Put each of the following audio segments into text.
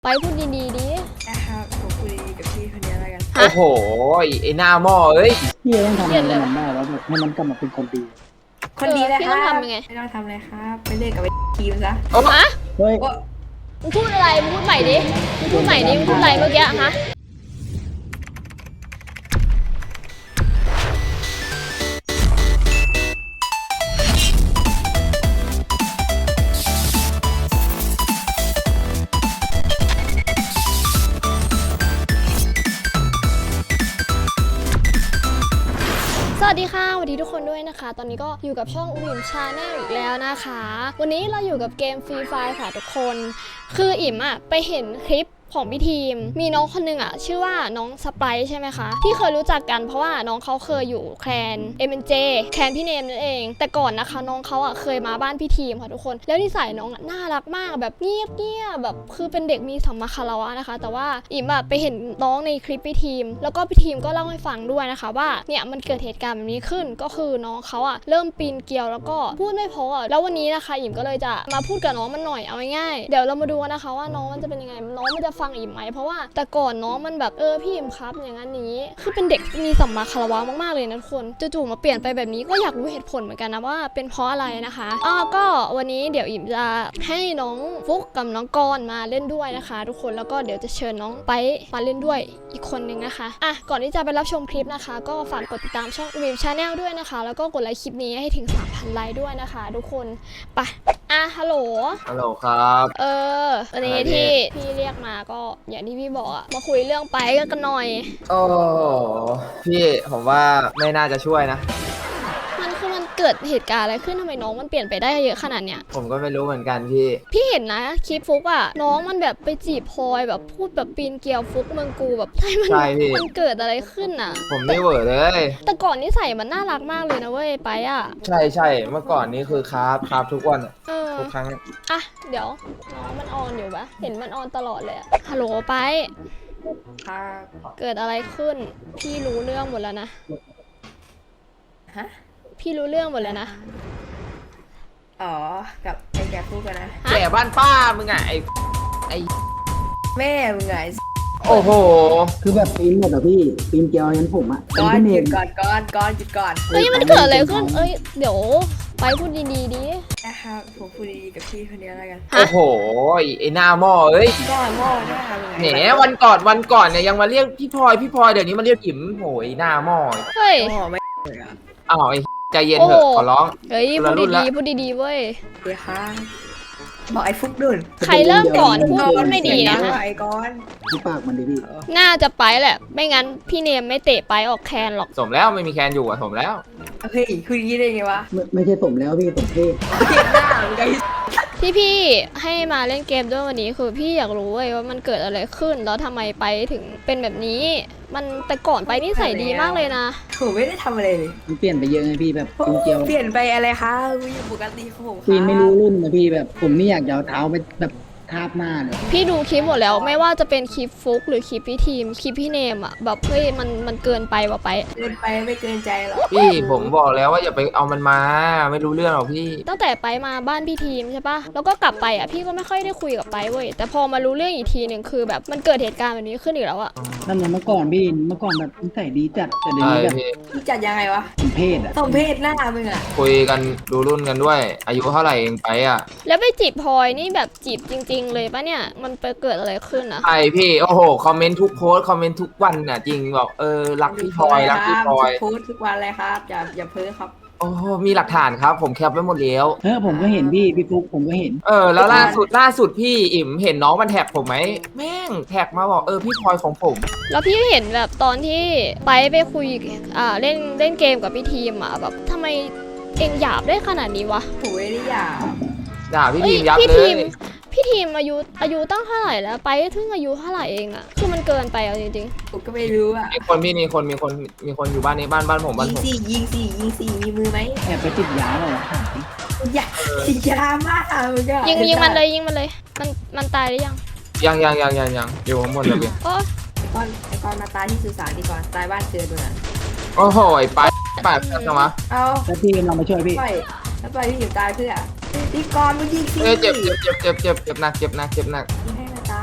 ไปพูดดีๆดินะครับผมคุยกับพี่คนนี้แล้วกันโอ้โหไอ้หน้าหม้อเอ้ยพี่ต้องทำอะไรมันได้แล้วแบบให้มันกลับมาเป็นคนดีคนดีเลยพี่คต้รัองบทำยังไงไม่ต้องทำเลยครับไปเลิกกับไอ้ทีมซะฮะเฮ้ยมึงพูดอะไรมึงพูดใหม่ดิมึงพูดใหม่ดิมึงพูดอะไรเมื่อกี้ฮะสวัสดีค่ะสวัสดีทุกคนด้วยนะคะตอนนี้ก็อยู่กับช่องอิ่มชาแนลอีกแล้วนะคะวันนี้เราอยู่กับเกมฟรีไฟค่ะทุกคนคืออิ่มอะไปเห็นคลิปของพี่ทีมมีน้องคนนึงอะชื่อว่าน้องสไปร์ใช่ไหมคะที่เคยรู้จักกันเพราะว่าน้องเขาเคยอยู่แคลน MNJ แคลนพี่เนมนั่นเองแต่ก่อนนะคะน้องเขาอะเคยมาบ้านพี่ทีมค่ะทุกคนแล้วนิสัยน้องน่ารักมากแบบเงียบแบบคือเป็นเด็กมีสัมมาคารวะนะคะแต่ว่าอิ่มอะไปเห็นน้องในคลิปพี่ทีมแล้วก็พี่ทีมก็เล่าให้ฟังด้วยนะคะว่าเนี่ยมันเกิดเหตุการณ์แบบนี้ขึ้นก็คือน้องเขาอะเริ่มปีนเกลียวแล้วก็พูดไม่เพออะแล้ววันนี้นะคะอิ่มก็เลยจะมาพูดกับน้องมันหน่อยเอาง่ายๆเดี๋ยวเรามาดูกันนะคะว่าน้องมันจะเป็นยังไงน้องมันจะฟังอิ่มไหมเพราะว่าแต่ก่อนน้องมันแบบพี่อิ่มครับอย่างนั้นนี้คือเป็นเด็กมีสัมมาคารวะมากๆเลยนะทุกคนจู่ๆมาเปลี่ยนไปแบบนี้ก็อยากรู้เหตุผลเหมือนกันนะว่าเป็นเพราะอะไรนะคะก็วันนี้เดี๋ยวอิ่มจะให้น้องฟุกกับน้องกรมาเล่นด้วยนะคะทุกคนแล้วก็เดี๋ยวจะเชิญน้องไปมาเล่นด้วยอีกคนนึงนะคะก่อนที่จะไปรับชมคลิปนะคะก็ฝากกดติดตามช่องอิ่มชาแนลด้วยนะคะแล้วก็กดไลค์คลิปนี้ให้ถึง 3,000 ไลค์ด้วยนะคะทุกคนไปฮัลโหลครับวันนี้ที่พี่เรียกมาก็อย่างที่พี่บอกอะมาคุยเรื่องไปกันหน่อยโอ้พี่ผมว่าไม่น่าจะช่วยนะมันเกิดเหตุการณ์อะไรขึ้นทำไมน้องมันเปลี่ยนไปได้เยอะขนาดเนี้ยผมก็ไม่รู้เหมือนกันพี่เห็นนะคลิปฟุกอะน้องมันแบบไปจีบพลอยแบบพูดแบบปีนเกลียวฟุกเมืองกูแบบใช่มันเกิดอะไรขึ้นอะผมไม่เวอร์เลยแต่ก่อนนิสัยมันน่ารักมากเลยนะเว้ยไปอะใช่เมื่อก่อนนี้คือครับทุกวันทุกครั้งเดี๋ยวน้องมันออนอยู่ปะเห็นมันออนตลอดเลยอะฮัลโหลไปเกิดอะไรขึ้นพี่รู้เรื่องหมดแล้วนะฮะพี่รู้เรื่องหมดแล้วนะกับไอ้แกพูดกันนะแก่บ้านป้ามึงไงไอ้แม่มึงไงโอ้โหคือแบบปีนหมดอะพี่ปีนเกลียวยันผมอะก่อนหยุดก่อนมันเกิดอะไรขึ้นเดี๋ยวไปพูดดีๆดินะครับผมคุยกับพี่คนนี้แล้วกันโอ้โหไอ้หน้าหม้อเอ้ยหน้าหม้อหน้ามึงไงแหมวันก่อนเนี่ยยังมาเรียกพี่พลอยเดี๋ยวนี้มาเรียกอิ่มโหยหน้าหม้อเฮ้ยไม่ไอ้ใจเย็นเถอะขอร้องพูดดีๆเว้ยเดี๋ยวค่ะบอกไอ้ฟุกดุนใครเริ่มก่อนพูดไม่ดีนะไอ้ก้อนที่ปากมันดิพี่น่าจะไปแหละไม่งั้นพี่เนมไม่เตะไปออกแคนหรอกสมแล้วไม่มีแคนอยู่สมแล้วเฮ้ยคุยยี่ได้ไงวะไม่ใช่สมแล้วพี่สมเพศหน้ามึงไงที่พี่ให้มาเล่นเกมด้วยวันนี้คือพี่อยากรู้ว่ามันเกิดอะไรขึ้นแล้วทำไมไปถึงเป็นแบบนี้มันแต่ก่อนไปนิสัยดีมากเลยนะผมไม่ได้ทำอะไรเลยมันเปลี่ยนไปเยอะไงพี่แบบปีนเกลียวเปลี่ยนไปอะไรคะอยู่ปกติของผมปีนไม่รู้รุ่นนะพี่แบบผมนี่อยากจะเอาเท้าไปแบบทาบหน้าเลยพี่ดูคลิปหมดแล้วไม่ว่าจะเป็นคลิปฟุกหรือคลิปพี่ทีมคลิปพี่เนมอะแบบเฮ้ยมันเกินไปว่ะไปเกินไปไม่เกินใจหรอกพี่ผมบอกแล้วว่าอย่าไปเอามันมาไม่รู้เรื่องหรอกพี่ตั้งแต่ไปมาบ้านพี่ทีมใช่ปะแล้วก็กลับไปอะพี่ก็ไม่ค่อยได้คุยกับไปเว้ยแต่พอมารู้เรื่องอีกทีหนึ่งคือแบบมันเกิดเหตุการณ์แบบนี้ขึ้นอีกแล้วอะนั่นเมื่อก่อนพี่เมื่อก่อนแบบนิสัยดีจัดแต่เดี๋ยวนี้แบบจัดยังไงวะสมเพศอะสมเพศหน้ามึงอะคุยกันดูรุ่นกันด้วยอายุเท่าไหร่เองไปอะแล้วไปจีบพลอยนี่แบบจีบจริงๆเลยปะเนี่ยมันไปเกิดอะไรขึ้นอะใช่พี่โอ้โหคอมเมนต์ทุกโพสคอมเมนต์ทุกวันน่ะจริงบอกรักพี่พลอยโพสทุกวันเลยครับอย่าเพ้อครับโอ้มีหลักฐานครับผมแคปไว้หมดแล้วผมก็เห็นพี่ฟุ๊กผมก็เห็นแล้วล่าสุดพี่อิ่มเห็นน้องมันแท็กผมไหมแม่งแท็กมาบอกพี่พลอยของผมแล้วพี่เห็นแบบตอนที่ไปคุยเล่นเกมกับพี่ทีมอะแบบทำไมเองหยาบได้ขนาดนี้วะโอ้ยได้หยาบพี่ทีมยับเลยพี่ทีมอายุตั้งเท่าไหร่แล้วไปเพิ่งอายุเท่าไหร่เองอะคือมันเกินไปเอาจริงๆผมก็ไม่รู้อะมีคนอยู่บ้านนี้บ้านผมยิงสี่มีมือไหมแอบไปติดยาเหรยามากมึงก็ยิงมันเลยมันตายหรือยังอยู่ข้างบนเลยพี่ไอ้ก้อนมาตายที่สุสานดีกว่าตายบ้านเกิดด้วยนะโอ้โหไปทำไมเอาแล้วพี่เรามาช่วยพี่แล้วไปพี่อยู่ตายเพื่อพี่กรมึงยิงสิเจ็บหนักยิงให้มันตาย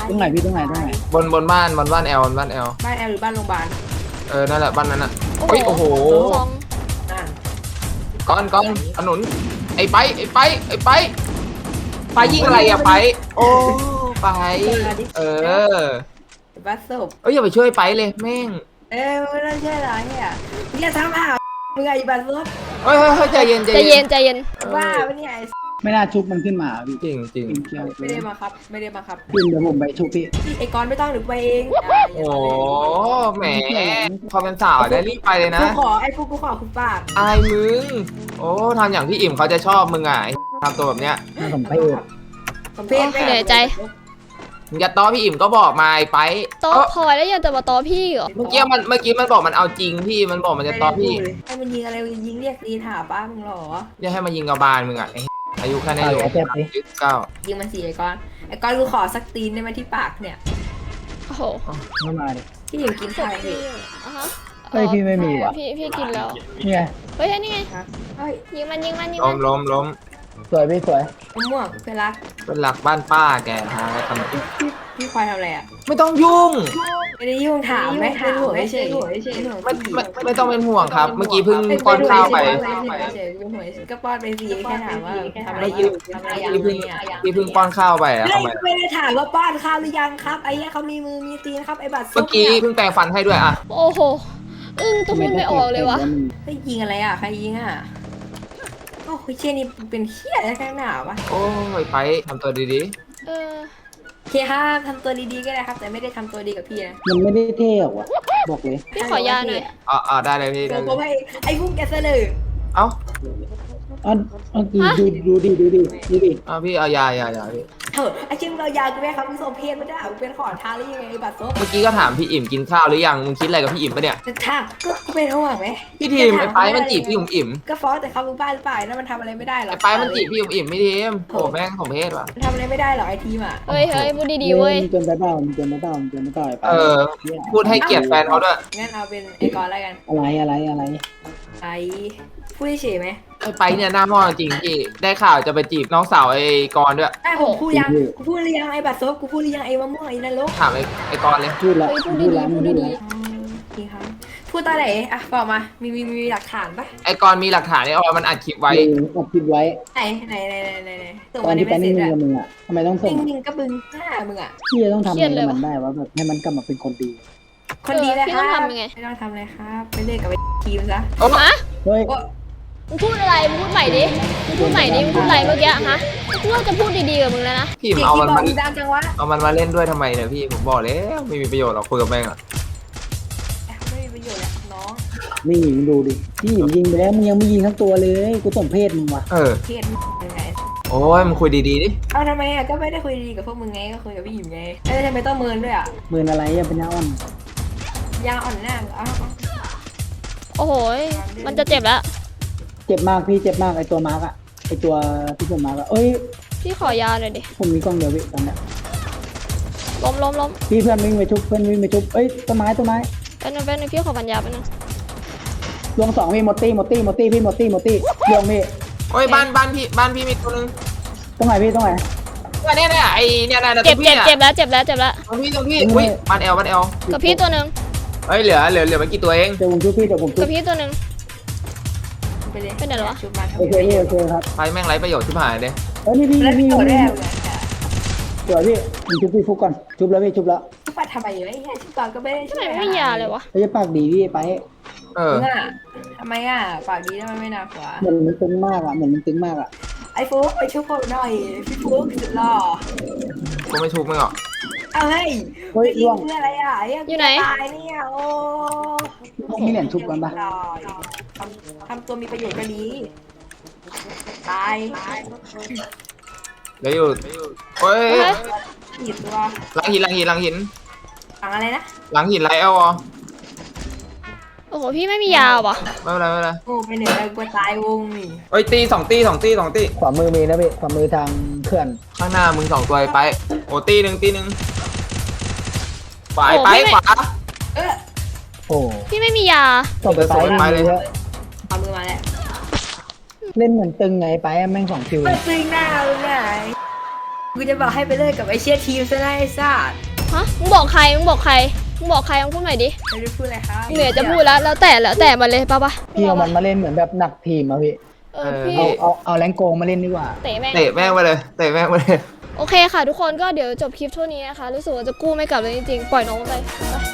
ตรงไหนพี่ตรงไหนบนบ้านแอลบ้านแอลบ้านแอลหรือบ้านโรงพยาบาลนั่นแหละบ้านนั้นอ่ะโอ้เฮ้ยโอ้โหสองนั่นก้อนขนุนไอ้ไปยิงอะไรอะไปโอ้ไปบ้านศพอย่าไปช่วยไปเลยแม่งไม่ต้องใช่หรอเนี่ยอย่าทำหามึงไอ้บ้านศพเฮ้ยใจเย็นใจเย็นบ้าปะเนี่ยไม่น่าชุบมันขึ้นมาพี่จริงไม่ได้มาครับไม่ได้มาครับพี่เดี๋ยวผมไปชุบพี่ไอ้กอนไม่ต้องหรือไปเองโอ้แหมพอเป็นสาวได้รีบไปเลยนะกูขอไอ้พวกกูขอคุณปากอายมึงโอ้ทำอย่างพี่อิ่มเขาจะชอบมึงอ่ะทำตัวแบบเนี้ยน่าสมเพชสมเพชเหนื่อยใจมึงอย่าต้อพี่อิ่มก็บอกมาไอ้ไปโต๊ะพลอยแล้วยังจะมาโต๊ะพี่เหรอเมื่อกี้มันบอกมันเอาจริงพี่มันบอกมันจะต้อพี่ให้มันยิงอะไรยิงเรียกตีถามป้ามึงหรออย่าให้มันยิงกระบาลมึงอ่ะอายุแค่นี้อยู่29 ยิงมันสี่ไอ้กอนกูขอสักตีนได้ไหมที่ปากเนี่ยโอ้โหเข้ามาดิที่อยู่กินไข่พี่อ่ะฮะเฮ้ยพี่ไม่มีว่ะพี่กินแล้วนี่ไงเฮ้ยนี่ไงเฮ้ยยิงมันล้มสวยพี่สวยมะม่วงเพื่อนรักเป็นหลักบ้านป้าแกฮะทำพี่ควายทำอะไรอ่ะไม่ต้องยุ่งไม่ได้ยุ่งถามไหมเป็นห่วงเฉยไม่ต้องเป็นห่วงครับ เมื่อกี้เพิ่งป้อนข้าวไปเป็นห่วงก็ป้อนไปสิแค่ถามว่าทำอะไรอยู่ทำอะไรอยู่เนี่ยพี่เพิ่งป้อนข้าวไปอะทำไมไม่ได้ถามว่าป้อนข้าวหรือยังครับไอ้เนี่ยเขามีมือมีตีนครับไอ้บัตรเมื่อกี้เพิ่งแปรงฟันให้ด้วยอะโอ้โหตัวพูดไม่ออกเลยวะเฮ้ยยิงอะไรอ่ะใครยิงอ่ะโอ้ยเชี่ยนี่เป็นเฮี้ยอะไรข้างหน้าวะโอ้ยไปทำตัวดีเออโอเคครับทำตัวดีๆก็ได้ครับ แต่ไม่ได้ทำตัวดีกับพี่นะมันไม่ได้เท่หรอกว่ะบอกเลยพี่ขอยาหน่อยๆได้เลยพี่เดี๋ยวผมให้ไอ้พวกแกเสนอเอ้าเอาดูดิพี่เอายาพี่เถอะไอ้ชื่อเรายาวกูแม่ครับมึงสมเพศไม่ได้มึงเป็นขอทานหรือยังไงไอ้บัตรซบเมื่อกี้ก็ถามพี่อิ่มกินข้าวหรือยัง มึงคิดอะไรกับพี่อิ่มปะเนี่ยจะถามก็กูเป็นห่วงไหมพี่ทีมไอ้ไปมันจีบพี่อิ่มก็ฟ้องแต่เขามึงบ้าหรือเปล่านั่นมันทำอะไรไม่ได้หรอไอ้ไปมันจีบพี่อิ่มไม่ทีมโหแม่งผมเพศว่ะมันทำอะไรไม่ได้หรอไอ้ทีมอ่ะเฮ้ยพูดดีๆเว้ยมันจนไปเปล่ามันจนไปเปล่าพูดให้เกียรติแฟนเขาด้วยงั้นเอาเป็นไอ้กอนแล้วกันอะไรไอ้พูดเฉยไหมไอ้ไปเนี่ยหน้าหม้อจริงพี่ได้ข่าวจะไปจีบน้องสาวไอ้กรณ์ด้วยไอ้ผมพูดยังกูพูดหรือยังไอ้บัตรซบกูพูดหรือยังไอ้มะม่วงไอ้นรกถามไอ้กรณ์เลยพูดละเฮ้ยพูดพูดดีละๆพูดดีพี่ครับพูดตอนไหนอ่ะบอกมามีหลักฐานปะไอ้กรณ์มีหลักฐานไอ้ออยมันอัดคลิปไว้อัดคลิปไว้ไหนส่งตอมาน ในที่เมแป๊สบเซนึจงอะกับมึงอ่ะทำไมต้องส่งนิ่งๆก็บึงหน้ามึงอะพี่จะต้องทำอะไรกับมันได้วะแบบให้มันกลับมาเป็นคนดีคนดีเลยพี่คต้รัองบทำยังไงไม่ต้องทำอะไรครับไปเลิกกับไอ้ทีมซะโอ้ฮะเฮ้ยมึงพูดอะไรมึงพูดใหม่ดิมึงพูดอะไรเมื่อกี้ฮะกูว่าจะพูดดีๆกับมึงแล้วนะพี่เสียงเอาที่มันบอกมามึงดังจังวะเอามันมาเล่นด้วยทำไมเนี่ยพี่ผมบอกแล้วไม่มีประโยชน์หรอกคุยกับแม่งอ่ะไม่มีประโยชน์แล้วน้องนี่มึงดูดิพี่ยิงไปแล้วมึงยังไม่ยิงทั้งตัวเลยกูสมเพศมึงว่ะเพศยังไงโอ้ยมึงคุยดีๆดิเอาทำไมอะก็ไม่ได้คุยดีกับพวกมึงไงก็คุยกับพี่หยิมไงทำไมต้องเมินด้วยอะมืออะไรอ่ะเป็นน้าอ่อนยางอ่อนหน้าเอาโอ้โหมันจะเจ็บแล้วเจ็บมากพี่เจ็บมากไอตัวมาร์กอ่ะไอตัวที่ผมมาร์กอ่ะเอ้ยพี่ขอยาหน่อยดิผมมีกล้องเดียวพี่ตอนเนี้ยล้มพี่เพื่อนวิ่งไปชุบเพื่อนวิ่งไปชุบเอ้ยต้นไม้แป๊บนึงพี่ขอปัญญาแป๊บนึงลวงสองพี่หมดตี้พี่หมดตี้ลวงพี่โอ้ยบ้านพี่มีตัวนึงตรงไหนพี่ตรงไหนเนี่ยไอ้เนี่ยนะเจ็บพี่แล้วตรงพี่อุ้ยบ้านแอลกับพี่ตัวหนึ่งเฮ้ยเหลือไม่กี่ตัวเองเดี๋ยวผมชุบพี่เดี๋ยวผมชุกับบ พี่ตัวหนึ่งไปเลยเป็นไหนวะชุบมาโอเคครับไปแม่งไร้ประโยชน์ชิบหายเลยเอ้ยนี่พี่แล้วพี่โดดได้สวยพี่ผมชุบพี่ฟุกก่อนชุบแล้วพี่ชุบแล้วชุบมาทำไมอยู่ไอ้เหี้ยชุบก่อนก็ไม่ได้ทำไมไม่มียาเลยวะเขาจะปากดีพี่ไปมึงอะทำไมอะปากดีแล้วมันไม่น่ากลัวเหมือนมันตึงมากอ่ะไอ้ฟุกไปชุบผมหน่อยพี่ฟุกสุดหล่อกูไม่ชุบมึงหรอกเอาเฮ้ยเฮ้ยยิล่วงงเพื่ออะไรอะตายเนี่ยโอ้มีเหรียญชุบกันปะทำตัวมีประโยชน์ก็ดีตายเดี๋ยวอยู่เฮ้ยหยิบตัวหลังหินหลังอะไรนะหลังหินไรเอลอ๋อโอ้โหพี่ไม่มียาว่ะไม่เป็นไรโอ้ไปเหนือเลยกลัวตายวงนี่เฮ้ยตีสองตีขวามือมีนะพี่ขวามือทางเขื่อนข้างหน้ามึง2ตัวไปโอ้ตีหนึ่งขวาไปขวาเออโอ้พี่ไม่มียาส่งไปไปเลยเอามือมาแล้วเล่นเหมือนตึงไงไปแม่ง2 คิวเปิดซิงหน้าเลยไงกูจะบอกให้ไปเลิกกับไอเชี่ยทีมซะนะไอ้สัสฮะมึงบอกใครมึงบอกใครมึงบอกใครมึงพูดหน่อยดิไม่ได้พูดอะไรครับเหนื่อยจะพูดแล้วแต่มาเลยป่ะพี่เอามันมาเล่นเหมือนแบบหนักทีมอะพี่พี่เอาแรงโกงมาเล่นดีกว่าเตะแม่งเตะแม่งไปเลยเตะแม่งไปเลยโอเคค่ะทุกคนก็เดี๋ยวจบคลิปเท่านี้นะคะรู้สึกว่าจะกู้ไม่กลับเลยจริงๆปล่อยน้องไป